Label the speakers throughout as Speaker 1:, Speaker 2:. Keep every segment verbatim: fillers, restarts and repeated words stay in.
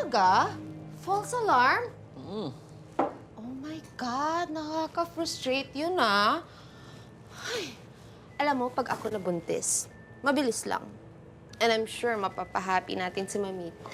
Speaker 1: Talaga? False alarm?
Speaker 2: Mm.
Speaker 1: Oh my God, nakaka-frustrate yun ah. Ay, alam mo, pag ako nabuntis, mabilis lang. And I'm sure mapapahappy natin si Mamito.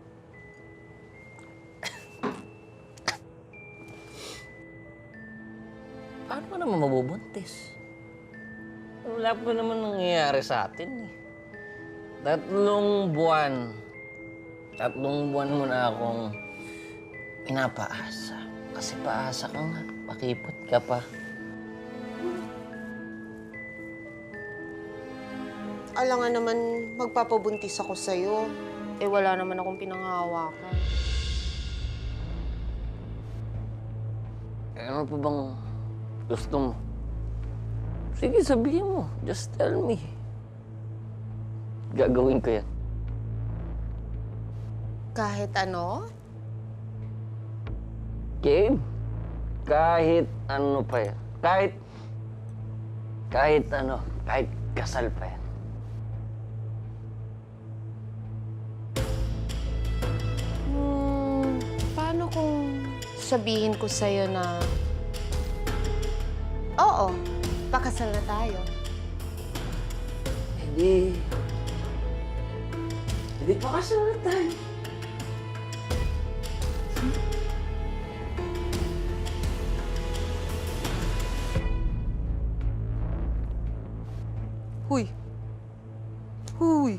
Speaker 2: Paano ka naman mabubuntis? Wala pa naman nangyayari sa atin eh. Tatlong buwan. Tatlong buwan mo na akong pinapaasa. Kasi paasa ka nga. Pakipot ka pa.
Speaker 1: Alangan naman magpapabuntis ako sa'yo. Eh, wala naman akong pinanghahawakan.
Speaker 2: Eh, ano pa bang gusto mo? Sige, sabihin mo. Just tell me. Gagawin ko yan.
Speaker 1: Kahit ano?
Speaker 2: Game? Kahit ano pa yan. Kahit... Kahit ano. Kahit kasal pa yan.
Speaker 1: Hmm, paano kung sabihin ko sa'yo na... Oo, pakasal na tayo.
Speaker 2: Hindi... Hindi pa kasal na tayo.
Speaker 1: Huy. Huy.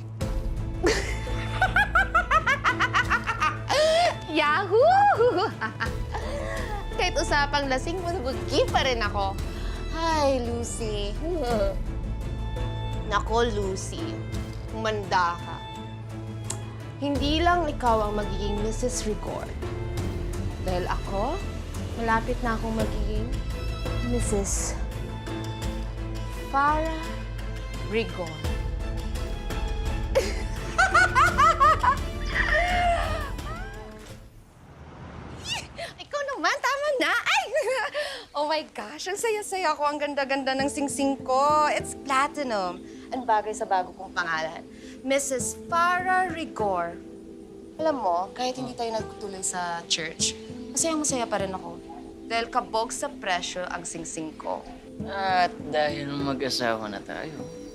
Speaker 1: Yahoo! Kahit usapang lasing, masabugi pa rin ako. Hi, Lucy. Nako, Lucy. Humanda ka. Hindi lang ikaw ang magiging Missus Rigor. Dahil ako, malapit na akong magiging Missus Farah Rigor. Ikaw naman, tama na. Ay! Oh my gosh, ang saya-saya ko. Ang ganda-ganda ng singsing ko. It's platinum. Ang bagay sa bago kong pangalan. Missus Farah Rigor. Alam mo, kahit hindi tayo nagtuloy sa church, masayang-masaya pa rin ako. Dahil kabog sa presyo ang singsing ko.
Speaker 2: At dahil mag-asawa na tayo,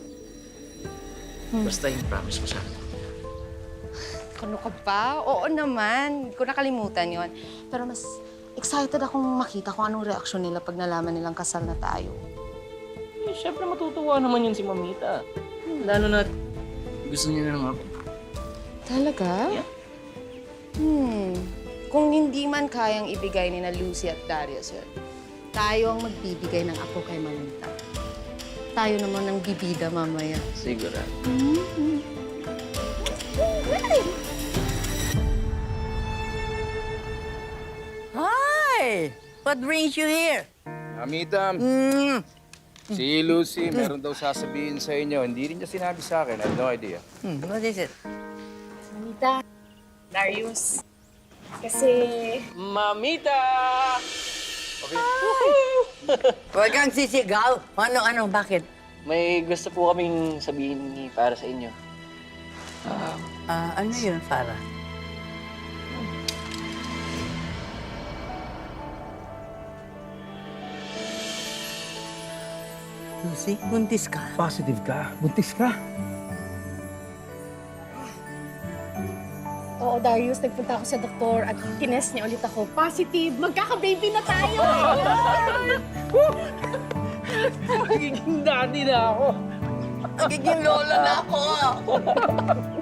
Speaker 1: Hmm.
Speaker 2: basta yung promise mo sa akin.
Speaker 1: Ano ka ba? Oo naman. Hindi ko nakalimutan yon. Pero mas excited akong makita kung anong reaksyon nila pag nalaman nilang kasal na tayo.
Speaker 2: Eh, syempre matutuwa naman yun si Mamita. Lalo na gusto niya na ng ako.
Speaker 1: Talaga?
Speaker 2: Yeah.
Speaker 1: Hmm. Kung hindi man kayang ibigay ni na Lucy at Darius yun, tayo ang magbibigay ng apo kay Mamita. Tayo naman ang bibida mamaya.
Speaker 2: Sigurado.
Speaker 1: Mm-hmm.
Speaker 3: Hi! What brings you here?
Speaker 4: Amita,
Speaker 3: Mm.
Speaker 4: si Lucy, meron daw sasabihin sa inyo. Hindi rin niya sinabi sa akin. I have no idea.
Speaker 3: Hmm, what is it?
Speaker 5: Mamita, Darius. Kasi
Speaker 2: Mamita!
Speaker 3: Huwag kang sisigaw. Ano, ano, bakit?
Speaker 2: May gusto po kaming sabihin ni para sa inyo. Ah,
Speaker 3: Ah, ano yun, Farah? Lucy, buntis ka.
Speaker 6: Positive ka. Buntis ka.
Speaker 5: Oo, Darius, nagpunta ako sa doktor at tinest niya ulit ako. Positive! Magkaka-baby na tayo!
Speaker 6: Magiging daddy na ako.
Speaker 3: Nagiging lola na ako.